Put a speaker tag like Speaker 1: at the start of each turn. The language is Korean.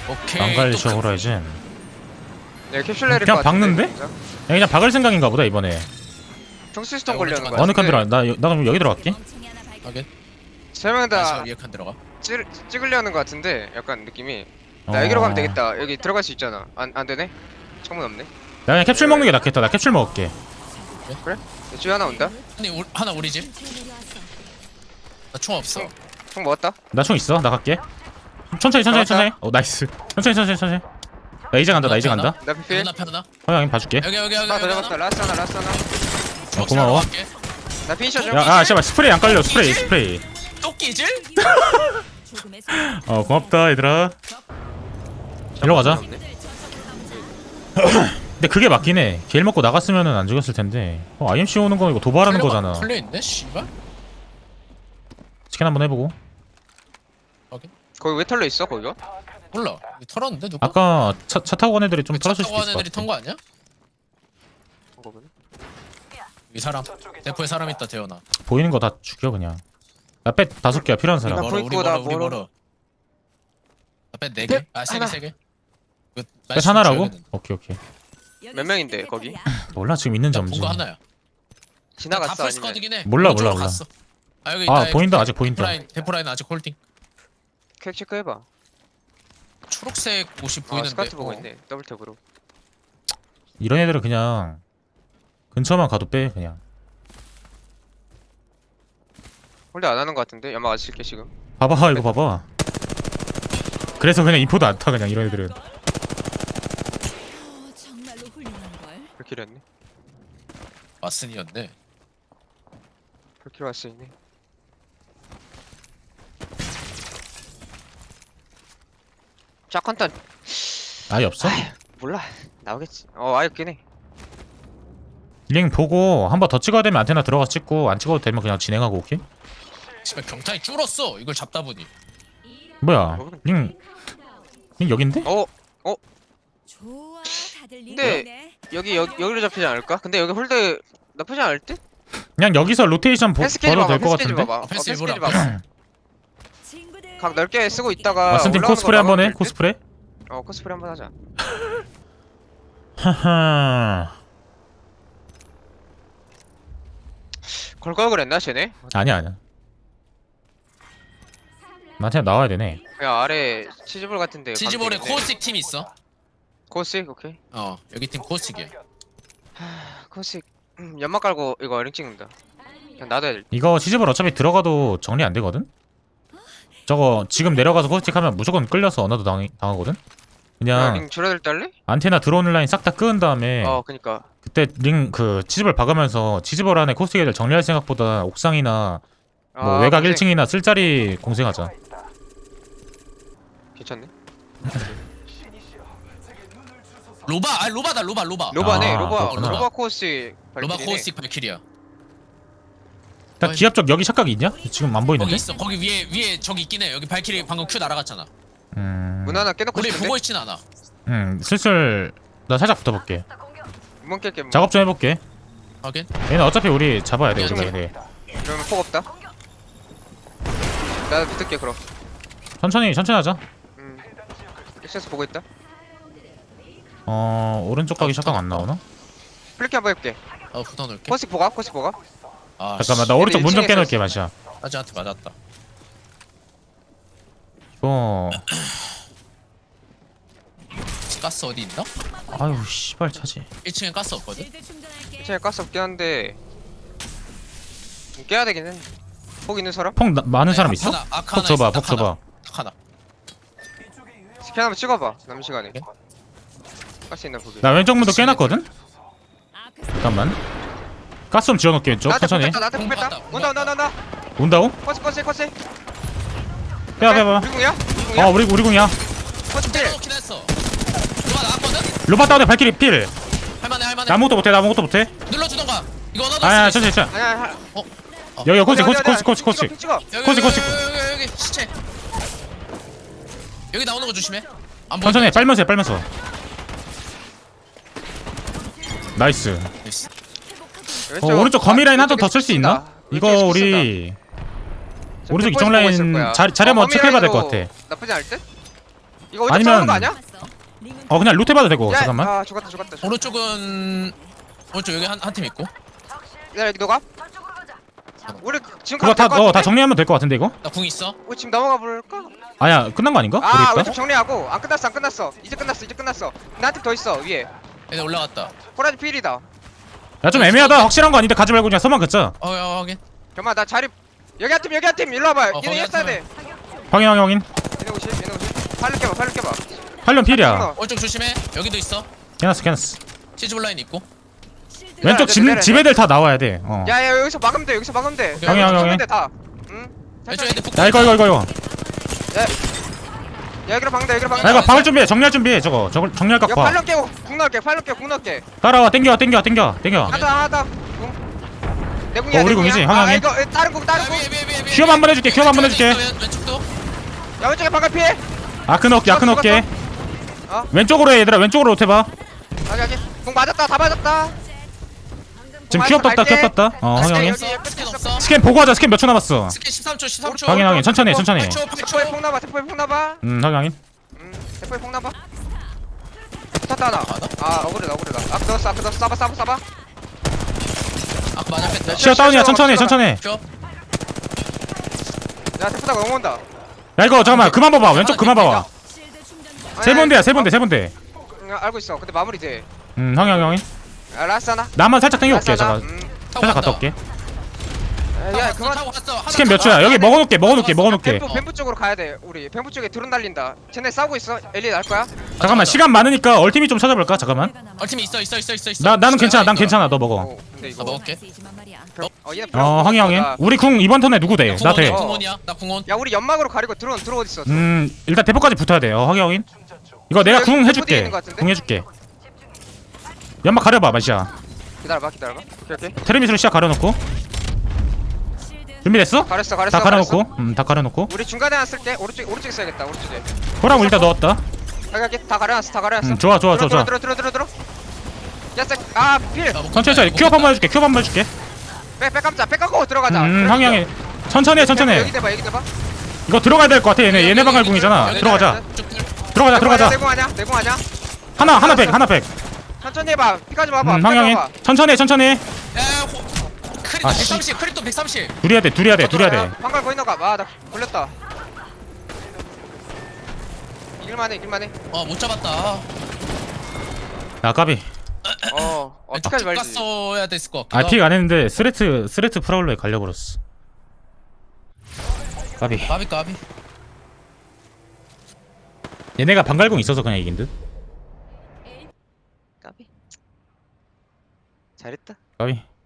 Speaker 1: 오케이.
Speaker 2: 망갈리셔 호라이즌.
Speaker 3: 네, 캡슐 내릴
Speaker 2: 그냥
Speaker 3: 것 같은데,
Speaker 2: 박는데?
Speaker 3: 진짜?
Speaker 2: 야, 그냥 박을 생각인가 보다 이번에.
Speaker 3: 정수스톤
Speaker 1: 야,
Speaker 3: 걸려는
Speaker 1: 오른쪽
Speaker 3: 거야.
Speaker 2: 어느 칸 들어? 나 그럼 여기 들어갈게.
Speaker 1: 확인.
Speaker 3: 세명 다
Speaker 1: 위에 칸 들어가.
Speaker 3: 찍으려는 것 같은데 약간 느낌이.
Speaker 2: 어.
Speaker 3: 나 여기로 가면 되겠다. 여기 들어갈 수 있잖아. 안 되네? 창문 없네.
Speaker 2: 나 그냥 캡슐 먹는 게 낫겠다. 나 캡슐 먹을게.
Speaker 3: 이쪽에 하나 온다.
Speaker 1: 아니 하나 우리 집. 나 총 없어.
Speaker 3: 총 먹었다.
Speaker 2: 나 총 있어. 나 갈게. 천천히 천천히 천천히. 나이스. 천천히. 나 이제 간다. 나 이제 간다.
Speaker 3: 나 피필.
Speaker 1: 눈 앞에 하나.
Speaker 2: 형님 봐줄게.
Speaker 1: 여기
Speaker 3: 하나 더 잡았다. 라스트 하나.
Speaker 2: 고마워.
Speaker 3: 나 피니셔 좀.
Speaker 2: 야, 씨발 스프레이 안 깔려. 스프레이.
Speaker 1: 토끼질?
Speaker 2: 고맙다 얘들아. 일로 가자. 근데 그게 맞긴 해. 길 먹고 나갔으면은 안 죽였을 텐데. IMC 오는 거 이거 도발하는 거잖아.
Speaker 1: 털려 있네, 씨발.
Speaker 2: 치킨 한번 해보고.
Speaker 1: 확인.
Speaker 3: 거기 왜 털려 있어 거기가?
Speaker 1: 몰라. 이거 털었는데 누가?
Speaker 2: 아까 차 타고 간 애들이 좀 털었을
Speaker 1: 차
Speaker 2: 수도
Speaker 1: 타고
Speaker 2: 있을
Speaker 1: 간
Speaker 2: 것
Speaker 1: 애들이
Speaker 2: 같아.
Speaker 1: 턴 거 아니야? 이 사람. 대포에 사람 있다, 재현아.
Speaker 2: 보이는 거 다 죽여 그냥. 나빼 5개야 필요한 사람.
Speaker 3: 나
Speaker 1: 멀어, 우리
Speaker 3: 보이고, 나
Speaker 1: 멀어, 우리
Speaker 3: 멀어.
Speaker 1: 멀어. 앞에 4개? 아, 3개,
Speaker 3: 하나.
Speaker 1: 3개.
Speaker 2: 빼 하나라고? 오케이.
Speaker 3: 몇 명인데, 거기?
Speaker 2: 몰라 지금 있는지 없는지.
Speaker 1: 본거 하나야.
Speaker 3: 지나갔어
Speaker 1: 다
Speaker 3: 아니면?
Speaker 1: 풀스쿼드긴 해.
Speaker 2: 몰라.
Speaker 1: 오른쪽으로 갔어. 아, 여기
Speaker 2: 아
Speaker 1: 있다,
Speaker 2: 보인다
Speaker 1: 여기.
Speaker 2: 아직 보인다.
Speaker 1: 대포라인 아직 홀딩.
Speaker 3: 캡 체크해봐.
Speaker 1: 초록색 옷이
Speaker 3: 아
Speaker 1: 보이는데.
Speaker 3: 스카트 보고 있네. 더블 탭으로.
Speaker 2: 이런 애들은 그냥 근처만 가도 빼 그냥.
Speaker 3: 홀드 안 하는 것 같은데? 연막 안 칠게 지금.
Speaker 2: 봐봐 이거 봐봐. 그래서 그냥 인포도 안 타 그냥 이런 애들은.
Speaker 4: 정말로 훌륭한 걸.
Speaker 3: 불키로 했네.
Speaker 1: 마슨이었네.
Speaker 3: 불키로 왔어 있네. 짝한탄
Speaker 2: 아예 없어?
Speaker 3: 몰라. 나오겠지. 아예 없긴 해.
Speaker 2: 링 보고 한 번 더 찍어야 되면 안테나 들어가 찍고 안 찍어도 되면 그냥 진행하고 오케이?
Speaker 1: 씨발 경탄이 줄었어. 이걸 잡다 보니.
Speaker 2: 뭐야 링 여긴데?
Speaker 4: 좋아, 다들
Speaker 3: 근데
Speaker 4: 리그네.
Speaker 3: 여기로 잡히지 않을까? 근데 여기 홀드 나쁘지 않을 듯?
Speaker 2: 그냥 여기서 로테이션
Speaker 3: 패스케이지
Speaker 2: 벌어도
Speaker 3: 봐봐.
Speaker 2: 될 것
Speaker 3: 패스케이지
Speaker 2: 같은데?
Speaker 3: 봐봐.
Speaker 1: 패스
Speaker 3: 패스케이지
Speaker 1: 일부러
Speaker 3: 봐봐.
Speaker 4: 친구들
Speaker 3: 각 넓게 쓰고 있다가
Speaker 2: 마슨팀
Speaker 3: 올라오는
Speaker 2: 코스프레
Speaker 3: 거
Speaker 2: 한번 해?
Speaker 3: 막으면 될 듯?
Speaker 2: 코스프레?
Speaker 3: 코스프레 한번 하자.
Speaker 2: 하하
Speaker 3: 걸 걸 그랬나 쟤네?
Speaker 2: 아니야 나한테 나와야 되네.
Speaker 3: 야 아래 치즈볼 같은데.
Speaker 1: 치즈볼에
Speaker 3: 가면 되겠네.
Speaker 1: 코스틱 팀 있어.
Speaker 3: 코스틱 오케이.
Speaker 1: 여기 팀 코스틱이야.
Speaker 3: 코스틱 연막 깔고 이거 링 찍는다. 그냥 놔둬야 될 듯.
Speaker 2: 이거 치즈볼 어차피 들어가도 정리 안 되거든? 저거 지금 내려가서 코스틱 하면 무조건 끌려서 언어도 당하거든? 그냥
Speaker 3: 링 줄어들 때 할래?
Speaker 2: 안테나 들어오는 라인 싹 다 끄은 다음에
Speaker 3: 그니까.
Speaker 2: 그때 링 그 치즈볼 박으면서 치즈볼 안에 코스틱 애들 정리할 생각보다 옥상이나 뭐 외곽
Speaker 3: 공생.
Speaker 2: 1층이나 쓸자리 공생하자.
Speaker 3: 괜찮네.
Speaker 1: 로바다 로바.
Speaker 3: 로바네
Speaker 2: 아,
Speaker 3: 로바.
Speaker 2: 그렇구나.
Speaker 3: 로바 코스틱.
Speaker 1: 로바
Speaker 3: 발길이네.
Speaker 1: 코스틱 발키리야.
Speaker 2: 딱 기압 쪽 여기 착각이 있냐? 지금 안
Speaker 1: 거기
Speaker 2: 보이는데?
Speaker 1: 있어. 거기 위에 저기 있긴 해. 여기 발키리 방금 큐 날아갔잖아.
Speaker 3: 문 하나 깨놓고
Speaker 1: 우리
Speaker 3: 싶은데?
Speaker 1: 보고 있진 않아.
Speaker 2: 슬슬 나 살짝 붙어볼게.
Speaker 3: 문 깰게 문.
Speaker 2: 작업 좀 해볼게.
Speaker 1: 확인.
Speaker 2: 얘는 어차피 우리 잡아야 돼 우리가
Speaker 1: 미안해.
Speaker 2: 얘네.
Speaker 3: 그러면 폭 없다. 나 붙을게 그럼.
Speaker 2: 천천히 하자.
Speaker 3: 액션스 보고 있다.
Speaker 2: 오른쪽 가기 착각 안 나오나?
Speaker 3: 플리키 한번 해볼게.
Speaker 1: 붙어놓을게.
Speaker 3: 코스틱 보가? 코스틱 보가?
Speaker 2: 잠깐만 나 오른쪽 문 좀
Speaker 3: 일층에서
Speaker 2: 깨놓을게 마시야.
Speaker 1: 아지한테 맞았다.
Speaker 2: 이거
Speaker 1: 가스 어디 있나?
Speaker 2: 아유 씨발 차지.
Speaker 1: 1층에 가스 없거든.
Speaker 4: 실드 충전할게.
Speaker 3: 체에 가스 없긴 한데 좀 깨야 되긴 해. 폭 있는 사람?
Speaker 2: 폭 많은 사람 있어?
Speaker 1: 아카나
Speaker 2: 폭 줘봐
Speaker 1: 있어,
Speaker 2: 폭 줘봐.
Speaker 1: 하나.
Speaker 3: 스캔 한번 찍어봐. 남은 시간에. 가스 있나 보게.
Speaker 2: 나 왼쪽 문도 깨놨거든?
Speaker 4: 아크
Speaker 2: 잠깐만 가스 좀 지어놓을게 왼쪽
Speaker 3: 나한테
Speaker 2: 천천히.
Speaker 3: 붙였다. 나한테 붙였다.
Speaker 1: 온다,
Speaker 3: 온다.
Speaker 2: 온다고?
Speaker 3: 코스.
Speaker 2: 빼봐
Speaker 3: 우리 궁이야?
Speaker 2: 우리 궁이야.
Speaker 3: 코스 필.
Speaker 1: 때려놓긴 했어. 로바 나왔거든?
Speaker 2: 로바 다운에 발키리 필.
Speaker 1: 할만해.
Speaker 2: 나 아무것도 못해.
Speaker 1: 눌러주던가. 이거 언어도
Speaker 2: 아야
Speaker 1: 없어.
Speaker 2: 천천히.
Speaker 3: 아니야.
Speaker 2: 여기 코스.
Speaker 3: 찍어.
Speaker 1: 여기 시체. 여기 나오는 거 조심해. 안 보여.
Speaker 2: 천천히 빨면서. 나이스.
Speaker 1: 나이스.
Speaker 2: 오른쪽 거미 라인 한 번 더 쓸 수 있나? 이거 우리 오른쪽 이쪽 라인 자리 한번 체크해봐야 될 것 같아.
Speaker 3: 나쁘지 않을 듯? 이거 오른쪽
Speaker 2: 아니면-
Speaker 3: 싸우는 거 아니야?
Speaker 2: 어 그냥 루트 해봐도 되고
Speaker 3: 야,
Speaker 2: 잠깐만.
Speaker 3: 아 죽었다 죽었다.
Speaker 5: 오른쪽은 오른쪽 여기 한 팀 있고.
Speaker 3: 야 여기 너가? 우리 지금
Speaker 2: 그거
Speaker 3: 가도 될것
Speaker 2: 다
Speaker 3: 같은데?
Speaker 2: 정리하면 될 것 같은데 이거?
Speaker 5: 나 궁 있어.
Speaker 3: 우리 지금 넘어가 볼까?
Speaker 2: 아니야 끝난 거 아닌가?
Speaker 3: 아
Speaker 2: 모르겠다.
Speaker 3: 왼쪽 정리하고 안 끝났어 안 끝났어 이제 끝났어 근데 한 팀 더 있어 위에
Speaker 5: 얘네 올라갔다.
Speaker 3: 호라지 필이다.
Speaker 2: 야 좀 애매하다. 확실한 거 아닌데 가지 말고 그냥 서만 긋자.
Speaker 5: 야, 확인.
Speaker 3: 잠깐만 나 자리 여기 한 팀 일로 와봐.
Speaker 5: 거기
Speaker 3: 얘네
Speaker 5: 한
Speaker 3: 했어야 돼.
Speaker 2: 확인.
Speaker 3: 얘네 오십 팔로 깨봐.
Speaker 2: 활련 필이야.
Speaker 3: 끊어.
Speaker 5: 오른쪽 조심해. 여기도 있어.
Speaker 2: 캐났어.
Speaker 5: 치즈 블라인 있고.
Speaker 2: 왼쪽
Speaker 3: 내려.
Speaker 2: 집 애들 다 나와야 돼. 어.
Speaker 3: 야야 여기서 막으면 돼
Speaker 5: 오케이.
Speaker 2: 형이.
Speaker 3: 막으면 돼 다. 응?
Speaker 5: 왼쪽 애들 북.
Speaker 2: 야 이거.
Speaker 3: 야 여기로 박는다
Speaker 2: 야 이거 박을 준비해. 정리할 준비해. 저거 정리할 각
Speaker 3: 야
Speaker 2: 봐.
Speaker 3: 팔로 깨고 궁 넣을게
Speaker 2: 따라와. 땡겨.
Speaker 3: 하다 내 궁이야
Speaker 2: 우리 궁이지,
Speaker 3: 아
Speaker 2: 형이.
Speaker 3: 이거 다른 궁
Speaker 2: 퀴업 한번 해줄게.
Speaker 5: 왼쪽도.
Speaker 3: 야 왼쪽에 방금 피해
Speaker 2: 아크 넣을게.
Speaker 3: 어?
Speaker 2: 왼쪽으로 해 얘들아. 왼쪽으로 로테 봐.
Speaker 3: 여기 궁 맞았다 다 맞았다
Speaker 2: 지금 퀴업 떴다. 확인.
Speaker 3: 여기
Speaker 5: 스캔 없어.
Speaker 2: 스캔 보고 하자. 스캔 몇 초 남았어.
Speaker 5: 스캔 13초.
Speaker 2: 확인. 천천히.
Speaker 3: 대포에 폭 나봐
Speaker 2: 확인.
Speaker 3: 대포에 폭 나봐 붙었다 하나
Speaker 5: 맞아?
Speaker 3: 아 억울하다 아크 넣었어 쏴봐
Speaker 5: 아 맞았겠다.
Speaker 2: 시야 다운이야. 천천히.
Speaker 5: 줘.
Speaker 3: 야 대포다가 넘어온다
Speaker 2: 야 이거 잠깐만. 그만 봐봐. 왼쪽 그만 봐봐.
Speaker 3: 아니,
Speaker 2: 세 번대야.
Speaker 3: 알고 있어 근데 마무리 돼
Speaker 2: 확인.
Speaker 3: 라스 하나
Speaker 2: 나만 살짝 당겨올게.
Speaker 3: 라스 하나.
Speaker 2: 잠깐. 살짝 갔다 올게.
Speaker 3: 야 그만
Speaker 5: 타고 갔어. 하나
Speaker 2: 스캔 몇
Speaker 5: 더.
Speaker 2: 초야? 여기 먹어놓을게.
Speaker 3: 뱀부 쪽으로 가야 돼 우리 뱀부 쪽에 드론 날린다 쟤네 싸우고 있어 엘리 날 거야
Speaker 2: 잠깐만. 시간 많으니까 얼티밋 좀 찾아볼까? 잠깐만.
Speaker 5: 얼팀이 있어.
Speaker 2: 나는 괜찮아. 난 괜찮아. 너 먹어.
Speaker 3: 근데
Speaker 5: 나
Speaker 3: 이거
Speaker 5: 먹을게.
Speaker 3: 얘네
Speaker 2: 확인. 우리 궁 이번 턴에 누구 돼? 나 돼.
Speaker 3: 어.
Speaker 5: 궁원이야. 나 궁원.
Speaker 3: 야 우리 연막으로 가리고 드론 어디 있어
Speaker 2: 일단 대포까지 붙어야 돼. 확인. 이거 내가 궁
Speaker 3: 여기
Speaker 2: 해줄게.
Speaker 3: 있는 것 같은데?
Speaker 2: 궁 해줄게. 연막 가려봐. 마시야.
Speaker 3: 기다려봐 오케이
Speaker 2: 테르미스로 시야 가려놓고. 준비됐어?
Speaker 3: 가렸어
Speaker 2: 다 가려놓고. 다 가려놓고.
Speaker 3: 우리 중간에 쓸게 오른쪽에 써야겠다 오른쪽에
Speaker 2: 호랑 일단 넣었다.
Speaker 3: 여기 다 가려놨어
Speaker 2: 좋아.
Speaker 3: 들어 야아필
Speaker 2: 천천히. 큐업 한번 해줄게.
Speaker 3: 백 감고 들어가자
Speaker 2: 확인. 천천히 해.
Speaker 3: 여기 대봐
Speaker 2: 이거 들어가야 될 것 같아. 얘네 방갈 궁이잖아. 들어가자. 들어가자.
Speaker 3: 내공 아니야
Speaker 2: 하나 백.
Speaker 3: 천천히 해봐 피까지 봐봐
Speaker 2: 확인. 천천히 해.
Speaker 5: 크립도
Speaker 2: 아, 씨.
Speaker 5: 130. 크립도 130.
Speaker 2: 둘이 해야 돼.
Speaker 3: 방갈 거기 나가 아나 걸렸다 이길만해
Speaker 5: 못 잡았다.
Speaker 2: 야 까비.
Speaker 3: 어떡하지 말지
Speaker 5: 갔어야 됐을 것 같기도
Speaker 2: 아 픽 안 했는데 스레트 프라울러에 갈려버렸어. 까비.
Speaker 5: 까비.
Speaker 2: 얘네가 방갈궁 있어서 그냥 이긴 듯.
Speaker 3: 까비 잘했다
Speaker 2: 까비.